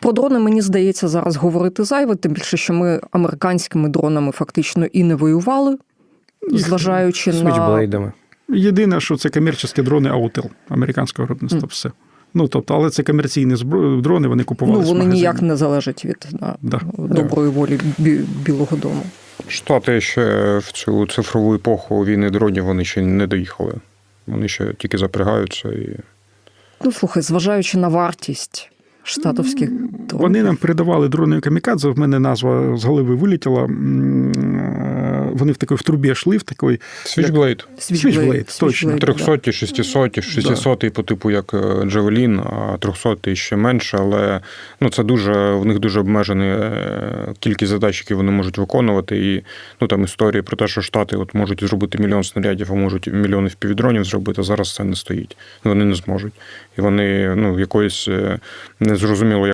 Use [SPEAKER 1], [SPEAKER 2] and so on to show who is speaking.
[SPEAKER 1] Про дрони, мені здається, зараз говорити зайве, тим більше, що ми американськими дронами фактично і не воювали, зважаючи на...
[SPEAKER 2] Свічблейдами.
[SPEAKER 3] Єдине, що це комерційні дрони Autel, американського виробництва, все. Ну, тобто, але це комерційні дрони, вони купували з
[SPEAKER 1] вони
[SPEAKER 3] магазинів.
[SPEAKER 1] ніяк не залежать від доброї волі Білого дому.
[SPEAKER 2] Штати ще в цю цифрову епоху війни дронів вони ще не доїхали. Вони ще тільки запрягаються.
[SPEAKER 1] Ну, слухай, зважаючи на вартість штатовських дронів.
[SPEAKER 3] Вони нам передавали дрони камікадзе, в мене назва з голови вилетіла. Вони в трубі йшли, в такої...
[SPEAKER 2] Switchblade,
[SPEAKER 3] точно.
[SPEAKER 2] 300, 600, 600 по типу як Javelin, а 300 ще менше, але це в них дуже обмежена кількість задач, які вони можуть виконувати. І там історії про те, що Штати можуть зробити мільйон снарядів, а можуть мільйони впівдронів зробити, зараз це не стоїть. Вони не зможуть. І вони якоїсь незрозуміло